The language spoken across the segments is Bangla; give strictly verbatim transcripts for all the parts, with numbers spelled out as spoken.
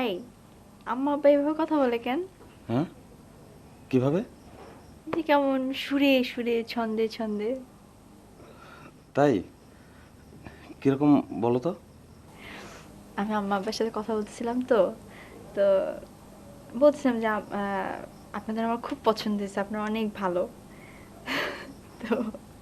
তাই আম্মা আব্বা এভাবে কথা বলে কেন? হ্যাঁ কিভাবে? যে কেমন সুরে সুরে ছন্দে ছন্দে। তাই কিরকম বলো তো? আমি আম্মা আব্বার সাথে কথা বলতেছিলাম তো তো বলছিলাম যে আম- আহ, আপনাদের আমার খুব পছন্দ হয়েছে, আপনারা অনেক ভালো। তো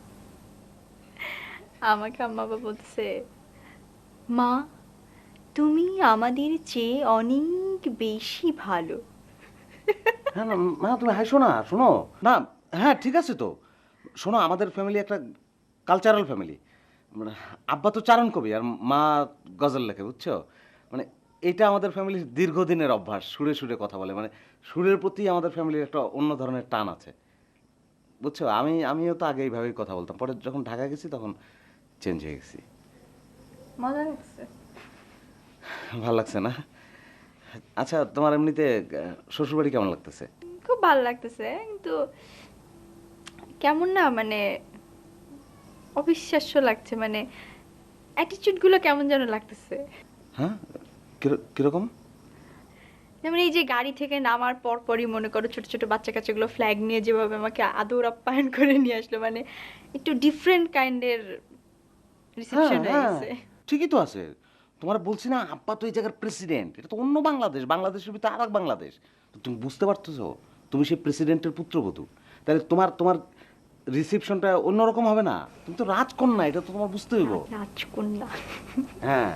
আমাকে আম্মা বাবা বলছে, মা তুমি আমাদের চেয়ে অনেক বেশি ভালো। হ্যাঁ না মা তুমি হাসো না, শোনো না। হ্যাঁ ঠিক আছে তো, শোনো আমাদের ফ্যামিলি একটা কালচারাল ফ্যামিলি। মানে আব্বা তো চারণ কবি আর মা গজল লেখে, বুঝছো? মানে এটা আমাদের ফ্যামিলির দীর্ঘদিনের অভ্যাস, সুরে সুরে কথা বলে। মানে সুরের প্রতি আমাদের ফ্যামিলির একটা অন্য ধরনের টান আছে, বুঝছো? আমি আমিও তো আগে এইভাবেই কথা বলতাম, পরে যখন ঢাকা গেছি তখন চেঞ্জ হয়ে গেছি। মজা লাগছে। ভালো লাগছে না? আচ্ছা তোমার এমনিতে শ্বশুরবাড়ি কেমন লাগতেছে? খুব ভালো লাগতেছে, কিন্তু কেমন না মানে অবিশ্বাস্য লাগছে, মানে অ্যাটিটিউড গুলো কেমন যেন লাগতেছে। হ্যাঁ কির- কিরকম? যেমন এই যে গাড়ি থেকে নামার পর পরই মনে করো ছোট ছোট বাচ্চা কাচ্চাগুলো ফ্ল্যাগ নিয়ে যেভাবে আমাকে আদর আপ্যায়ন করে নিয়ে আসলো, মানে একটু ডিফারেন্ট কাইন্ডের হ্যাঁ রিসেপশন হয়ে হ্যাঁ গেছে। ঠিকই তো আছে। তোমার বলছি না আব্বা তো এই জায়গার প্রেসিডেন্ট, এটা তো অন্য বাংলাদেশ, বাংলাদেশের ভিতরে আর এক বাংলাদেশ। তো তুমি বুঝতে পারতেছো, তুমি সেই প্রেসিডেন্টের পুত্রবধূ, তাহলে তোমার তোমার রিসেপশনটা অন্যরকম হবে না? তুমি তো রাজকন্যা, এটা তো তোমার বুঝতে হইব। রাজকন্যা। হ্যাঁ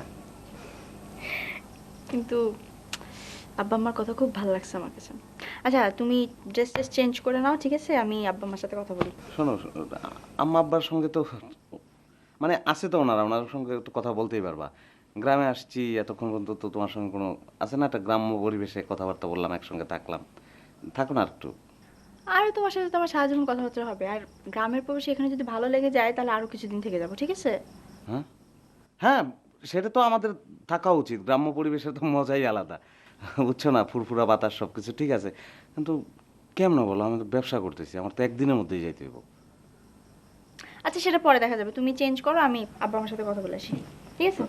কিন্তু আব্বা আমার কথা খুব ভালো লাগছে আমার কাছে। আচ্ছা তুমি ড্রেস ট্রেস চেঞ্জ করে নাও, ঠিক আছে? আমি আব্বা আমার সাথে কথা বলি। শোনো শোনো, আম্মা আব্বার সঙ্গে তো মানে আছে তো ওনারা, ওনার সঙ্গে একটু কথা বলতেই পারবা। গ্রামে আসছি এতক্ষণ পর্যন্ত, তো তোমার সঙ্গে কোনো আছে না একটা গ্রাম্য পরিবেশে কথাবার্তা বললাম, একসঙ্গে থাকলাম, থাকো না একটু। আর তোমার সাথে তো আমার সারা জীবন কথাবার্তা হবে, আর গ্রামের পরিবেশ এখানে যদি ভালো লেগে যায় তাহলে আরো কিছুদিন থেকে যাবো, ঠিক আছে? হ্যাঁ হ্যাঁ সেটা তো আমাদের থাকা উচিত, গ্রাম্য পরিবেশের তো মজাই আলাদা, বুঝছো না? ফুরফুরা বাতাস সব কিছু ঠিক আছে, কিন্তু কেমন বলো, আমি তো ব্যবসা করতেছি, আমার তো একদিনের মধ্যেই যাইতে হইব। আচ্ছা সেটা পরে দেখা যাবে, তুমি চেঞ্জ করো, আমি আব্বা আমার সাথে কথা বলে আসি, ঠিক আছে?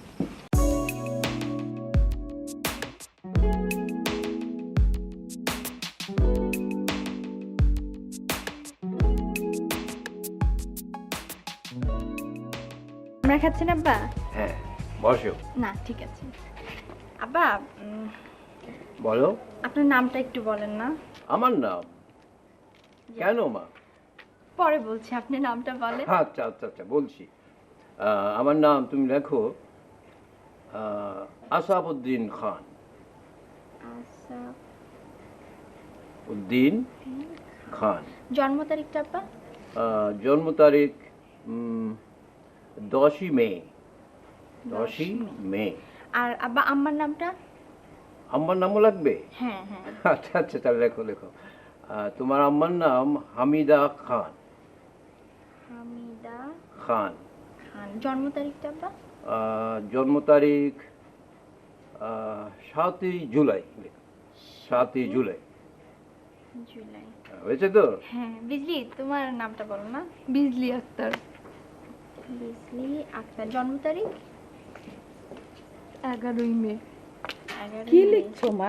আমরা খাচ্ছেন আব্বা? হ্যাঁ বসো। না ঠিক আছে। আব্বা উম, বলো। আপনার নামটা একটু বলেন না। আমার নাম? কেন মা? পরে বলছি, আপনি নামটা বলেন। আচ্ছা আচ্ছা আচ্ছা বলছি। আহ, আমার নাম তুমি লেখো আহ, আসাবউদ্দিন খান। আচ্ছা। উদ্দিন খান। জন্ম তারিখটা আব্বা? আহ, জন্ম তারিখ উম, দশই মে। দশই মে। আর আব্বা আম্মার নামটা? আম্মার নামও লাগবে? হ্যাঁ হ্যাঁ। আচ্ছা আচ্ছা তাহলে লেখো লেখো। আহ, তোমার আম্মার নাম হামিদা খান। হামিদা খান। খান। জন্ম তারিখটা আব্বা? আহ, জন্ম তারিখ আহ, সাতই জুলাই। সাতই জুলাই জুলাই। হয়েছে তো? হ্যাঁ। বিজলি, তোমার নামটা বলো না। বিজলি আক্তার। বিজলি আক্তার। জন্ম তারিখ? এগারোই মে। এগারোই কি মে। লিখছো মা?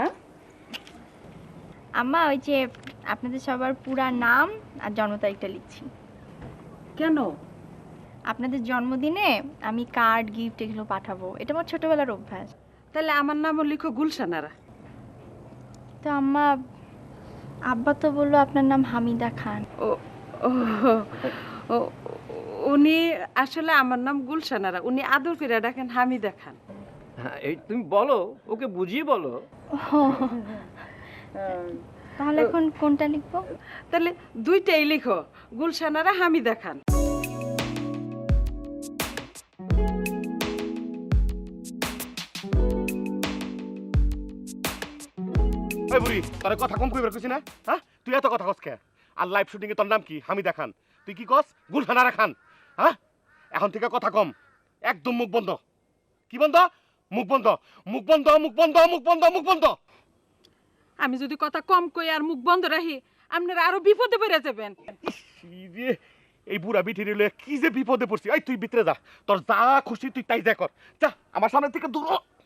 আম্মা ওই যে আপনাদের সবার পুরা নাম আর জন্ম তারিখটা লিখছি। কেন? আপনাদের জন্মদিনে আমি কার্ড গিফট এগুলো পাঠাবো, এটা আমার ছোটবেলার অভ্যাস। তাহলে আমার নামও লিখো গুলশানারা। তো আম্মা, আব্বা তো বললো আপনার নাম হামিদা খান। ও ও ও, উনি আসলে আমার নাম গুলশানারা, উনি আদর করে ডাকেন হামিদা খান। হ্যাঁ, এই তুমি বলো, ওকে বুঝিয়ে বলো। ও, তাহলে এখন কোনটা লিখবো? তাহলে দুইটাই লিখো, গুলশানারা হামিদা খান। ওই বুড়ি তোর কথা কম কইবার কইছি না? হ্যাঁ তুই এত কথা কস কে? আর লাইভ শুটিং এ তোর নাম কি? হামিদা খান। তুই কি কস? গুলশানারা খান। হ্যাঁ এখন থেকে কথা কম, একদম মুখ বন্ধ। কি বন্ধ? মুখ বন্ধ, মুখ বন্ধ, মুখ বন্ধ, মুখ বন্ধ, মুখ বন্ধ। আমি যদি কথা কম কই আর মুখ বন্ধ রাখি, আপনারা আরো বিপদে পড়ে যাবেন। কি রে, এই বুড়া বিঠি রে কি যে বিপদে পড়ছি। এই তুই ভিতরে যা, তোর যা খুশি তুই তাই যা কর। যা আমার সামনে থেকে দূর হ।